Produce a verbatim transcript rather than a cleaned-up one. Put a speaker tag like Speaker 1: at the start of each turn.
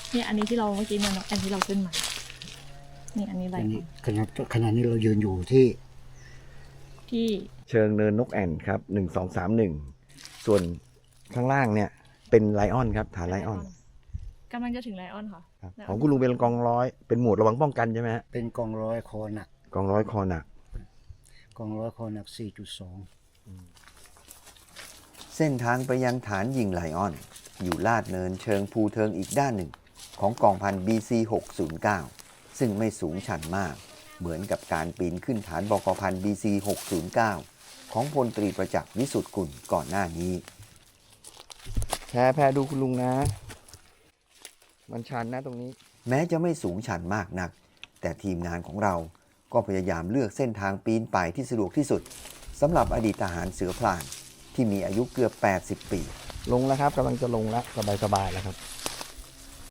Speaker 1: นี่อันนี้ที่เราเมื่อกี้เนี่ยอันที่เราขึ้นมานี่อันนี้อะไร
Speaker 2: อันนี้ขณะขณะนี้เรายืนอยู่ที่
Speaker 1: ที่
Speaker 3: เชิงเนินนกแอ่นครับหนึ่งสองสามหนึ่งส่วนข้างล่างเนี่ยเป็นไลออนครับฐานไลออน
Speaker 1: กำลังจะถึงไลออนค่ะ
Speaker 3: ครับของคุณลุงเป็นกองร้อยเป็นหมวดระวังป้องกันใช่ไหมฮะ
Speaker 2: เป็นกองร้อยคอหนัก
Speaker 3: กองร้อยคอหนัก
Speaker 2: กองร้อยคอหนัก สี่จุดสอง
Speaker 4: เส้นทางไปยังฐานยิงไลออน อยู่ลาดเนินเชิงภูเทิงอีกด้านหนึ่ง ของกองพัน บี ซี หกศูนย์เก้า ซึ่งไม่สูงชันมาก เหมือนกับการปีนขึ้นฐานบกพัน บี ซี หกศูนย์เก้า ของพลตรีประจักษ์วิสุทธิ์กุลก่อนหน้านี้
Speaker 3: แพ้แพ้ดูคุณลุงนะ มันชันนะตรงนี้
Speaker 4: แม้จะไม่สูงชันมากนัก แต่ทีมงานของเราก็พยายามเลือกเส้นทางปีนป่ายที่สะดวกที่สุดสำหรับอดีตทหารเสือพลานที่มีอายุเกือบ แปดสิบ ปี
Speaker 3: ลงแล้วครับกำลังจะลงแล้วสบายๆแล้วครับ